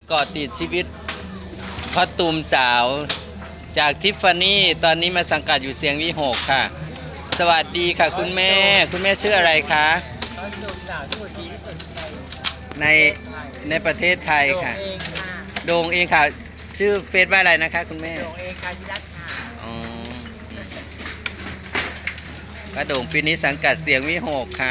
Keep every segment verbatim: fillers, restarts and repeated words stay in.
เกาะติดชีวิตคอสตูมสาวจากทิฟฟานี่ตอนนี้มาสังกัดอยู่เสียงวิหกค่ะสวัสดีค่ะคุณแม่คุณแม่ชื่ออะไรคะคอสตูมสาวที่ดีที่สุดในในในประเทศไทยค่ะโด่งเองค่ะโด่งเองค่ะชื่อเฟซว่าอะไรนะคะคุณแม่โด่งเองค่ะที่รักค่ะอ๋อป้าโด่งปีนี้สังกัดเสียงวิหกค่ะ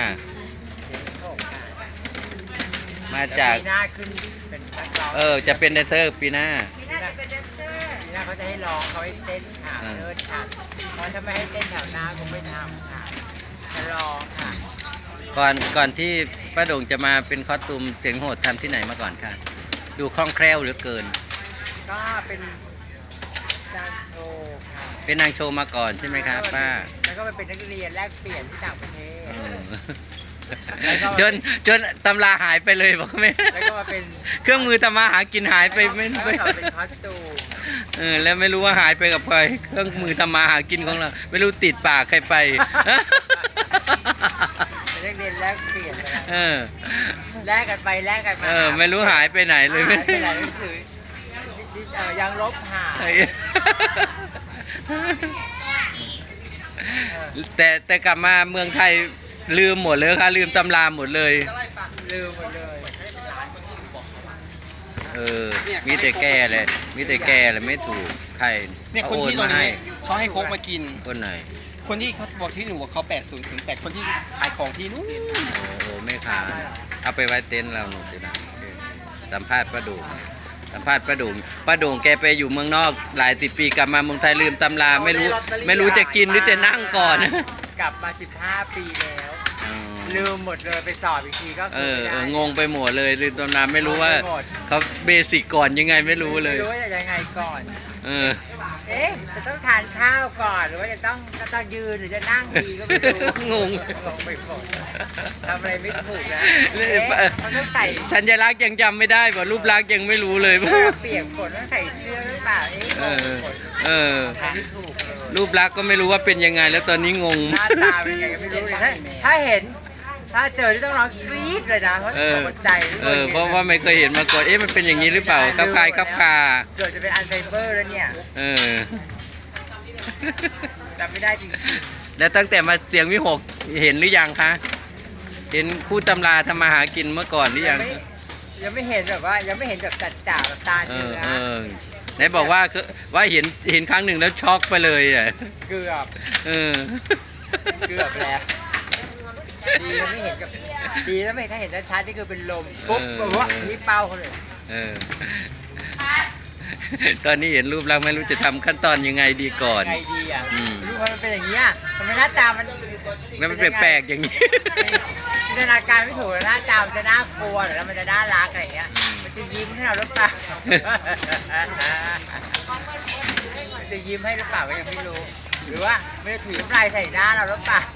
มาจากปีหน้าขึ้นเป็นนักร้องเออจะเป็นแดนเซอร์ปีหน้าปีหน้าจะเป็นแดนเซอร์ปีหน้าเขาจะให้ร้องเขาให้เต้นค่ะอ่าเชิญค่ะเพราะถ้าไม่ให้เต้นแถวหน้าคงไม่ทำค่ะจะร้องค่ะก่อนก่อนที่ป้าโด่งจะมาเป็นคอสตูมเสียงโหดทำที่ไหนมาก่อนคะดูคล่องแคล่วเหลือเกินก็เป็นการโชว์ค่ะเป็นนางโชว์มาก่อนใช่ไหมคะป้าแล้วก็ไปเป็นนักเรียนแลกเปลี่ยนที่ต่างประเทศเออแล้วก็จนจนตำราหายไปเลยบอกไหมแล้วก็มาเป็นเครื่องมือทำมาหากินหายไปไม่แล้วไม่ก็เป็นคอสตูมเออแล้วไม่รู้ว่าหายไปกับใครเครื่องมือทำมาหากินของเราไม่รู้ติดปากใครไปเป็นนักเรียนแลกเปลี่ยนกันเออแลกกันไปแลกกันมาเออไม่รู้หายไปไหนเลยหายไปไหนหนังสือเอ่อยังลบหายเออแต่แต่กลับมาเมืองไทยลืมหมดเลยค่ะลืมตำราหมดเลยลืมหมดเลยเออมีแต่แก้เลยมีแต่แก้เลยไม่ถูกใครเนี่ยเขาคนโอนที่ตรมาง ให้นี้เขาให้โค้กมากินคนไหนคนที่เขาบอกที่หนูว่าเขาแปดศูนย์ถึงแปดคนที่ขายของที่นู้นโอ้โหไม่ขาดเอาไปไว้เต็นท์เราหนูจะนะสัมภาษณ์ป้าโด่งสัมภาษณ์ป้าโด่งป้าโด่งแกไปอยู่เมืองนอกหลายสิบปีกลับมาเมืองไทยลืมตำราไม่รู้ไม่รู้จะกินหรือจะนั่งก่อนกลับมาสิบห้าปีแล้วอ๋อลืมหมดเลยไปสอบอีกทีก็เอคืออไม่เอได้องงไปหมดเลยลืมตำราไม่รู้ว่างงไปหมดเขาเบสิกก่อนยังไงไม่รู้เลยไม่รู้ว่าจะยังไงก่อนเออเอ๊ะจะต้องทานข้าวก่อนหรือว่าจะต้องจะต้องยืนหรือจะนั่งดีก็ไม่รู้งงงงไปหมดทำอะไรไม่ถูกนะเอ๊ะเอ๊ะเขาต้องใส่สัญลักษณ์ยังจำไม่ได้ป่ะรูปลักษณ์ยังไม่รู้เลยเวลาเปียกฝนต้องใส่เสื้อหรือเปล่าเอ๊ะเองงอไปหมดเออทำไม่ถูกเลยรูปลักษณ์ก็ไม่รู้ว่าเป็นยังไง แล้วตอนนี้งงหน้าตาเป็นไงก็ไม่รู้เลยถ้าถ้าเห็น ถ้าเจอที่ต้องร้องกรี๊ดเลยนะเพราะเออตกใจเออเพราะว่าไม่เคยเห็นมาก่อนเอ๊ะมันเป็นอย่างนี้หรือเปล่าครับคายครับคาเกิดจะเป็นอัลไซเมอร์แล้วเนี่ยเออจำไม่ได้จริงแล้วตั้งแต่มาเสียงวิหกเห็นหรือยังคะเห็นคู่ตำราทำมาหากินเมื่อก่อนหรือยัยังไม่ยังไม่เห็นแบบว่ายังไม่เห็นแบบจัดจ่าแบบตาเอเนื้ออเออไหนบอกว่าคือว่าเห็นเห็นครั้งหนึ่งแล้วช็อกไปเลยอ่ะเกือบเออเกือบแล้วดียังไม่เห็นกับดีแล้วไม่ถ้าเห็นชัดๆนี่คือเป็นลมปุ๊บแบบว่านี่เป้าเขาเลยเออ ตอนนี้เห็นรูปแล้วไม่รู้จะทำขั้นตอนยังไงดีก่อนไงดีอ่ะอืมรู้ว่ามันเป็นอย่างนี้อ่ะทำไมหน้าตามันแล้วมันแปลกๆอย่างนี้จินตนาการไม่ถูกเลยหน้าตามันจะน่ากลัวหรือมันจะน่ารักอะไรอย่างเงี้ยอืมมันจะยิ้มให้เราหรือเปล่า มันจะยิ้มให้หรือเปล่าก็ยังไม่รู้ หรือว่ามันจะถุยน้ำลายใส่หน้าเราหรือเปล่า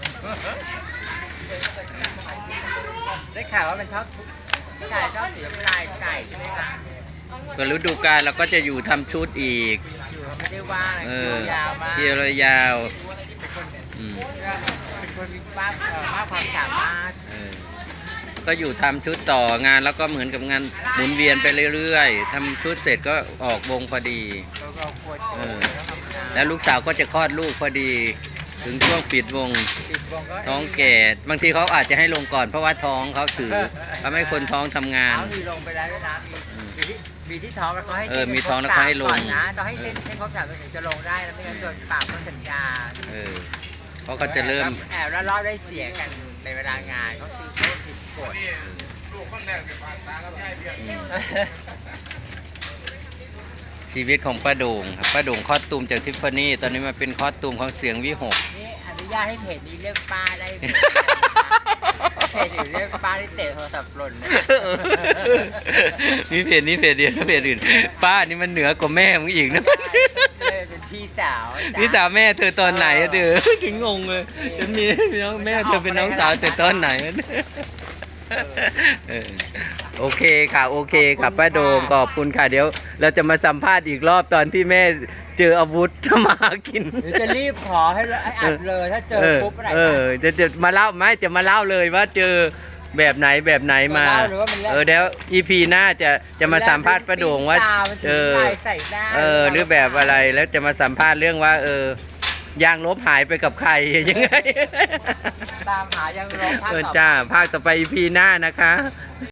ได้ข่าวว่ามันชอบผู้ชายชอบถุยน้ำลายใส่ใช่ไหมคะก็ฤดูกาลเราก็จะอยู่ทำชุดอีกอยู่ไม่ได้ว่าอะไรเอคิอวยาวมากเที่ยวระยาวเป็นคนอืมเป็นคนมีมากเอ่อมากความสามารถเออก็อยู่ทำชุดต่องานแล้วก็เหมือนกับงานหมุนเวียนไปเรื่อยๆทำชุดเสร็จก็ออกวงพอดีเราก็ควรเออต้องทำงานแล้วลูกสาวก็จะคลอดลูกพอดี ถึงช่วงปิดวงปิดวงก็ท้องแก่บางทีเขาอาจจะให้ลงก่อนเพราะว่าท้องเขาถือเขาไม่ให้คนท้องทำงานเขามีลงไปแล้วด้วยนะมีมีที่มีที่ท้องแล้วเขาให้เออต้นมีท้องแล้วเขาให้ลงก่อนนะต้องให้เต้นให้ครบสามถึงจะลงได้แล้วไม่งั้นโดนปรับเขาสัญญาเออเพราะเขาจะเริ่มแอบแล้วรอบได้เสียกันในเวลางานเขาซื้อเขาผิดกฎอืมชีวิตของป้าโด่งครับป้าโด่งคอสตูมจากทิฟฟานี่ตอนนี้มาเป็นคอสตูมของเสียงวิหกนี่อนุญาตให้เพจนี้เรียกป้าได้ไหมเพจอื่นเรียกป้าที่เตะโทรศัพท์หล่นนะมีเพจนี้เพจเดียวแล้วเพจอื่นป้านี่มันเหนือกว่าแม่มึงอีกนะเลยเป็นพี่สาวจ้ะพี่สาวแม่เธอตอนไหนอะเธอถึงงงเลยจะมีน้องแม่เธอเป็นน้องสาวแต่ตอนไหนอะเออโอเคค่ะโอเคค่ะป้าโดมขอบคุณค่ะเดี๋ยว เราจะมาสัมภาษณ์อีกรอบตอนที่แม่เจออาวุธทำมาหากินหรือจะรีบขอให้ให้อัดเลยถ้าเจอปุ๊บอะไรเออจะจะมาเล่าไหมจะมาเล่าเลยว่าเจอแบบไหนแบบไหนมาจะเล่าหรือว่ามันเรื่องเออเดี๋ยวอีพีหน้าจะจะมาสัมภาษณ์ป้าโด่งว่าเอเอออใส่ได้เออหรือแบบอะไรแล้วจะมาสัมภาษณ์เรื่องว่า เออยางลบหายไปกับใครยังไงตามหายังร้องภาคเออต่อไปจ้าภาคต่อไปอีพีหน้านะคะ